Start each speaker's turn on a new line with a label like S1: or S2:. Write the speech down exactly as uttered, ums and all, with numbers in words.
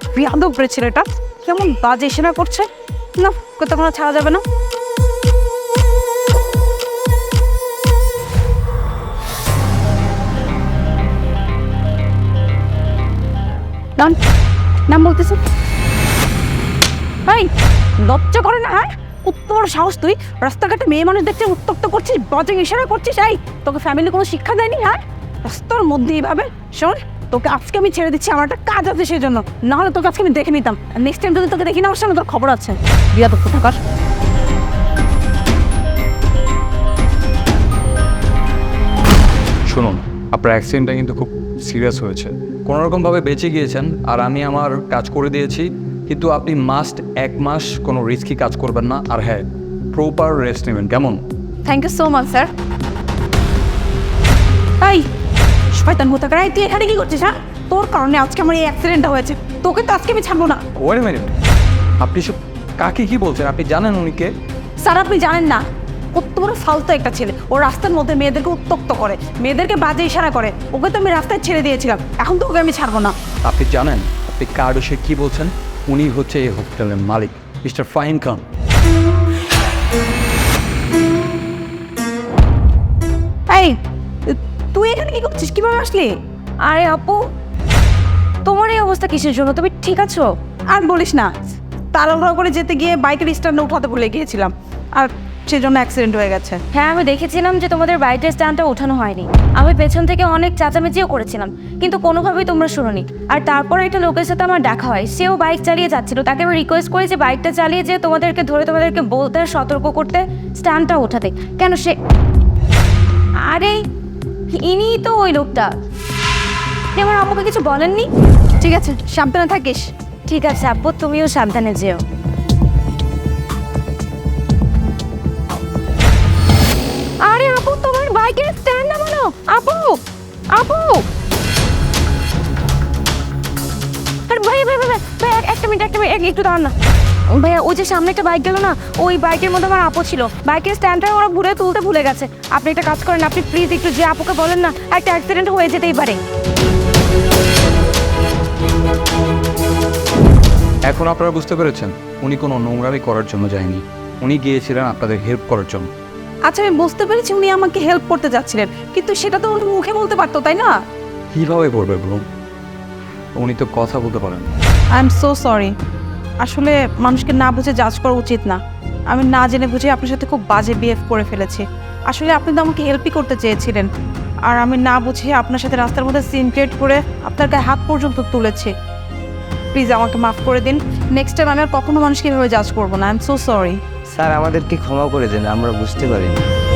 S1: বিয়াদব রে ছেলেটা, কেমন বাজে সেনা করছে না, কোথাও ছাড়া যাবে না। নাম নাম বলতেছি, ভাই লজ্জা করে না? হ্যাঁ, উত্তর সাহস, তুই রাস্তাঘাটে মেয়ে মানুষ দেখতে উত্তক্ত করছিস, বাজে ইশারা করছিস। এই তোকে ফ্যামিলি কোনো শিক্ষা দেয়নি? হ্যাঁ, রাস্তার মধ্যে এইভাবে। শোন, তোকে আজকে আমি ছেড়ে দিচ্ছি, আমার একটা কাজ আছে সেই জন্য, নাহলে তোকে আজকে আমি দেখে নিতাম। নেক্সট টাইম যদি তোকে দেখি না আমার সামনে, তোর খবর আছে। বিয়াদব কোথাকার।
S2: শুনুন, আপনার অ্যাক্সিডেন্টটা কিন্তু খুব সিরিয়াস হয়েছে। কোনোরকমভাবে বেঁচে গিয়েছেন আর আমি আমার কাজ করে দিয়েছি, কিন্তু আপনি মাস্ট এক মাস কোনো রিস্কি কাজ করবেন না। আর হ্যাঁ, প্রপার রেস্ট নেবেন, কেমন?
S1: Thank you so much sir. এই শয়তান কোথাকার, এই তুই এখানে কি করছিস? হ্যাঁ, তোর কারণে আজকে আমার এই অ্যাক্সিডেন্টটা হয়েছে, তোকে তো আজকে আমি ছাড়বো না।
S2: ওয়েট আ মিনিট, আপনি সব কাকে কি বলছেন? আপনি জানেন উনি কে?
S1: স্যার আপনি জানেন না, কত বড় ফালতু একটা ছেলে। ও রাস্তার মধ্যে মেয়েদেরকে উত্তক্ত করে, মেয়েদেরকে বাজে ইশারা করে। ওকে তো আমি রাস্তায় ছেড়ে দিয়েছিলাম, এখন তো ওকে আমি ছাড়বো না।
S2: আপনি জানেন আপনি কার বিষয়ে কি বলছেন? উনি হচ্ছে এই হোটেলের মালিক, মিস্টার ফাহিম খান।
S1: এই তুই এখানে কি করছিস, কিভাবে আসলি?
S3: আরে আপু, তোমার এই অবস্থা কিসের জন্য? তুমি ঠিক আছো?
S1: আর বলিস না, তাড়াহুড়ো করে যেতে গিয়ে বাইকের স্ট্যান্ডে উঠাতে ভুলে গিয়েছিলাম, আর সেজন্য অ্যাক্সিডেন্ট হয়ে গেছে।
S3: হ্যাঁ, আমি দেখেছিলাম যে তোমাদের বাইকের স্ট্যান্ডটা ওঠানো হয়নি। আমি পেছন থেকে অনেক চেঁচামেচিও করেছিলাম, কিন্তু কোনোভাবেই তোমরা শুনোনি। আর তারপর একটা লোকের সাথে আমার দেখা হয়, সেও বাইক চালিয়ে যাচ্ছিল। তাকে আমি রিকোয়েস্ট করি যে বাইকটা চালিয়ে যে তোমাদেরকে ধরে তোমাদেরকে বলতে আর সতর্ক করতে, স্ট্যান্ডটা ওঠাতে। কেন সে, আরে ইনিই তো ওই লোকটা। আপনি আমার আপুকে কিছু বলেননি?
S1: ঠিক আছে, সাবধানে থাকিস।
S3: ঠিক আছে আপু, তুমিও সাবধানে যেও। আরে আপু, তোমার বাইকের স্ট্যান্ড নামানো। আপু আপু আরে ভাই ভাই ভাই ভাই, ভাই, এক- একটা মিনিট একটা মিনিট এক- একটু দাঁড়ান না ভাইয়া। ওই যে সামনে একটা বাইক গেল না, ওই বাইকের মধ্যে আমার আপু ছিল। বাইকের স্ট্যান্ডটা ওরা ঘুরে তুলতে ভুলে গেছে। আপনি একটা কাজ করেন, আপনি প্লিজ একটু যে আপুকে বলেন না, একটা অ্যাক্সিডেন্ট হয়ে যেতেই পারে।
S2: এখন আপনারা বুঝতে পেরেছেন, উনি কোনো নোংরামি করার জন্য যায়নি, উনি গিয়েছিলেন আপনাদের হেল্প করার জন্য।
S1: আচ্ছা আমি বুঝতে পেরেছি উনি আমাকে হেল্প করতে যাচ্ছিলেন, কিন্তু সেটা তো উনি মুখে বলতে পারতো, তাই না?
S2: কীভাবে করবে বলুন? উনি তো কথা বলতে পারেন।
S1: I am so sorry. আসলে মানুষকে না বুঝে জাজ করা উচিত না। আমি না জেনে বুঝে আপনার সাথে খুব বাজে বিহেভ করে ফেলেছি। আসলে আপনি তো আমাকে হেল্পই করতে চেয়েছিলেন, আর আমি না বুঝে আপনার সাথে রাস্তার মধ্যে সিন ক্রিয়েট করে আপনার গায়ে হাত পর্যন্ত তুলেছি। প্লিজ আমাকে মাফ করে দিন। নেক্সট টাইম আমি আর কখনো মানুষকে এভাবে জাজ করবো না। I am so sorry.
S4: Sir আমাদেরকে ক্ষমা করে দেন, আমরা বুঝতে পারিনি।